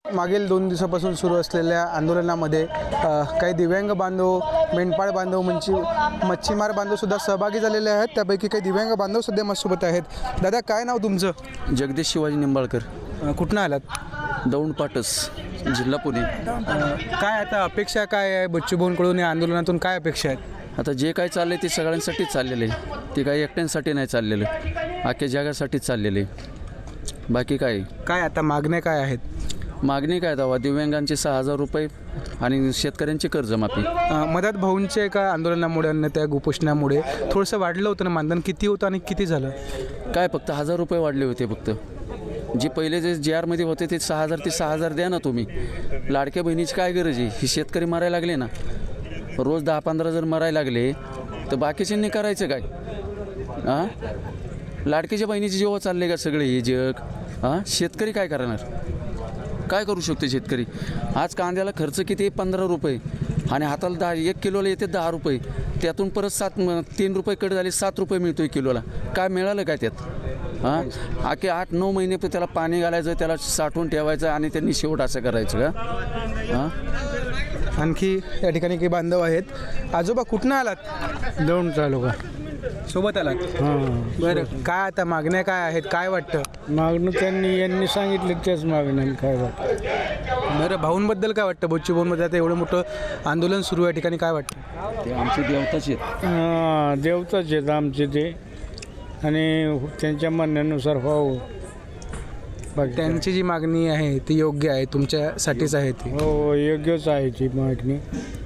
मागील 2 दिवसापासून सुरू असलेल्या आंदोलनामध्ये काही दिव्यांग बांधव, मेंढपाळ बांधव, मच्छीमार बांधवसुद्धा सहभागी झालेले आहेत. त्यापैकी काही दिव्यांग बांधवसुद्धा माझ्यासोबत आहेत. दादा, काय नाव तुमचं? जगदीश शिवाजी निंबाळकर, कुठनं आलात? दौंड पाटस, जिल्हा पुणे. काय आता अपेक्षा काय आहे बच्चू भाऊंकडून? या आंदोलनातून काय अपेक्षा आहेत? आता जे काय चाललं आहे ते सगळ्यांसाठीच चाललेलं आहे. ते काही एकट्यांसाठी नाही चाललेलं, अख्ख्या जगासाठीच चाललेलं आहे. बाकी काय आता मागण्या काय आहेत? मागणी काय दावा? दिव्यांगांचे 6,000 रुपये आणि शेतकऱ्यांची कर्जमाफी. मधात भाऊंच्या एका आंदोलनामुळे आणि त्या उपोषणामुळे थोडंसं वाढलं होतं ना मानधन? किती होतं आणि किती झालं? काय फक्त 1,000 रुपये वाढले होते. फक्त जे पहिले जे JR मध्ये होते ते 6,000 ते 6,000 द्या ना तुम्ही. लाडक्या बहिणीची काय गरज आहे? ही शेतकरी मरायला लागले ना, रोज 10-15 जर मरायला लागले तर बाकीच्यांनी करायचं काय? हां, लाडक्याच्या बहिणीचे जेव्हा चालले का सगळे हे जग, हां, शेतकरी काय करणार? काय करू शकतो शेतकरी? आज कांद्याला खर्च किती? 15 रुपये आणि हाताला 1 किलोला येते 10 रुपये. त्यातून परत 3 रुपये कट झाले, 7 रुपये मिळतो आहे किलोला. काय मिळालं काय त्यात? हां, आखे 8-9 महिने त्याला पाणी घालायचं, त्याला साठवून ठेवायचं आणि त्यांनी शेवट असं करायचं का? हां. आणखी या ठिकाणी काही बांधव आहेत. आजोबा, कुठनं आलात? दौंड तालुका. सोबत आलात? हां. बरं, काय आता मागण्या काय आहेत? काय वाटतं? मागणं यांनी सांगितलं त्याच मागणं. काय वाटतं? बरं, भाऊंबद्दल काय वाटतं? बच्चू भाऊंमध्ये आता एवढं मोठं आंदोलन सुरू आहे, ठिकाणी काय वाटतं? ते आमचे देवताच आहेत. हां, देवताच आहेत आमचे ते, आणि त्यांच्या म्हणण्यानुसार व्हावं. बाकी त्यांची जी मागणी आहे ती योग्य आहे, तुमच्यासाठीच आहे ती? हो, योग्यच आहे ती मागणी.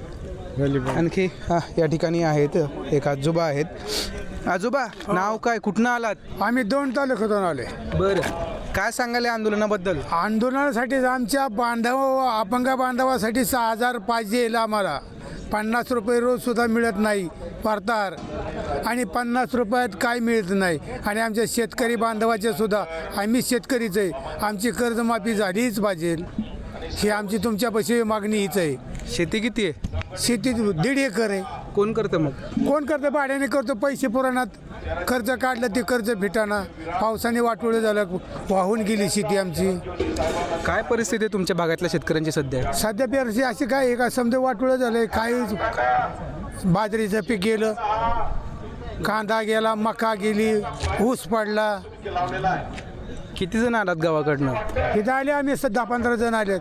आणखी या ठिकाणी आहेत एक आजोबा आहेत. आजोबा, नाव काय? कुठनं आलात? आम्ही दौंड तालुक्यातून आले. बरं, काय सांगाल या आंदोलनाबद्दल? आंदोलनासाठी आमच्या अपंग बांधवासाठी 6,000 पाहिजे आम्हाला. 50 रुपये रोजसुद्धा मिळत नाही वार्ताहर, आणि 50 रुपयात काय मिळत नाही. आणि आमच्या शेतकरी बांधवाचे सुद्धा, आम्ही शेतकरीच आहे, आमची कर्जमाफी झालीच पाहिजे. ही आमची तुमच्यापाशी मागणी हीच आहे. शेती किती आहे? शेती 1.5 एकर आहे. कोण करतं मग? कोण करतं? भाड्याने करतो. पैसे पुराणात कर्ज काढलं ते कर्ज फिटाना. पावसाने वाटोळं झालं, वाहून गेली शेती आमची. काय परिस्थिती आहे तुमच्या भागातल्या शेतकऱ्यांची सध्या? सध्या पेरशी अशी काय आहे का? समजा वाटोळं झालं. काय बाजरीचं पीक गेलं, कांदा गेला, मका गेली, ऊस पडला. किती जण आलात गावाकडनं? इथं आले आम्ही 10-15 जण आलेत.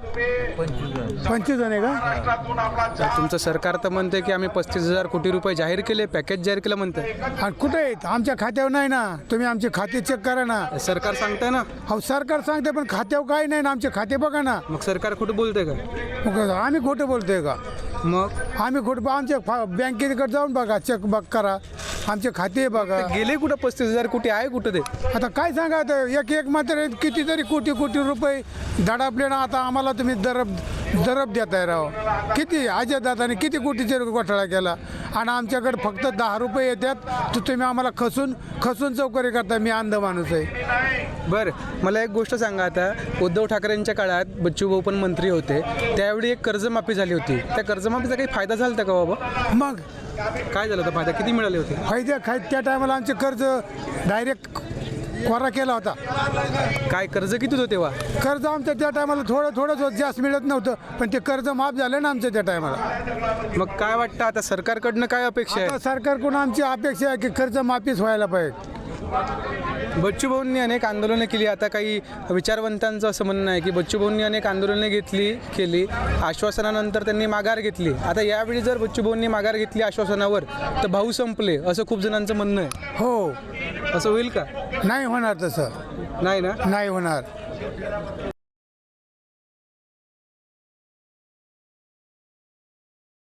25 जण आहे का? तुमचं सरकार तर म्हणते की आम्ही 35,000 कोटी रुपये जाहीर केले, पॅकेज जाहीर केलं म्हणते. आणि कुठे आहेत? आमच्या खात्यावर नाही ना. तुम्ही आमचे खाते चेक करा ना. सरकार सांगताय ना. हो, सरकार सांगते, पण खात्यावर काय नाही ना. आमचे खाते बघा ना. मग सरकार खोटं बोलतंय का? मग आम्ही खोटं बोलतोय का? मग आम्ही खोटं? आमच्या बँकेकडे जाऊन बघा, चेक बघ करा, आमचे खाते बघा. गेले कुठं 35,000 कोटी? आहे कुठं ते? आता काय सांगा, आता एक मात्र कितीतरी कोटी रुपये दडापले ना. आता आम्हाला तुम्ही दरब देताय राव. किती अजय दादाने किती कोटीचे घोटाळा केला, आणि आमच्याकडे फक्त 10 रुपये येतात, तर तुम्ही आम्हाला खसून चौकरी करता. मी अंध माणूस आहे. बरं, मला एक गोष्ट सांगा. आता उद्धव ठाकरेंच्या काळात बच्चू भाऊ पण मंत्री होते, त्यावेळी एक कर्जमाफी झाली होती. त्या कर्जमाफीचा काही फायदा झाला होता का बाबा? मग काय झालं होता फायदा? किती मिळाले होते? त्या टायमाला आमचे कर्ज डायरेक्ट कोरा केला होता. काय कर्ज किती होतं तेव्हा? कर्ज आमचं त्या टायमाला थोडंच होतं, जास्त मिळत नव्हतं, पण ते कर्ज माफ झालं ना आमचं त्या टायमाला. मग काय वाटतं आता सरकारकडनं काय अपेक्षा आता आहे? सरकारकडून आमची अपेक्षा आहे की कर्ज माफीच व्हायला पाहिजे. बच्चू भाऊंनी अनेक आंदोलनं केली. आता काही विचारवंतांचं असं म्हणणं आहे की बच्चू भाऊंनी अनेक आंदोलनं केली, आश्वासनानंतर त्यांनी माघार घेतली. आता यावेळी जर बच्चू भाऊंनी माघार घेतली आश्वासनावर, तर भाऊ संपले असं खूप जणांचं म्हणणं आहे. हो, असं होईल का? नाही होणार तसं. नाही ना? नाही होणार.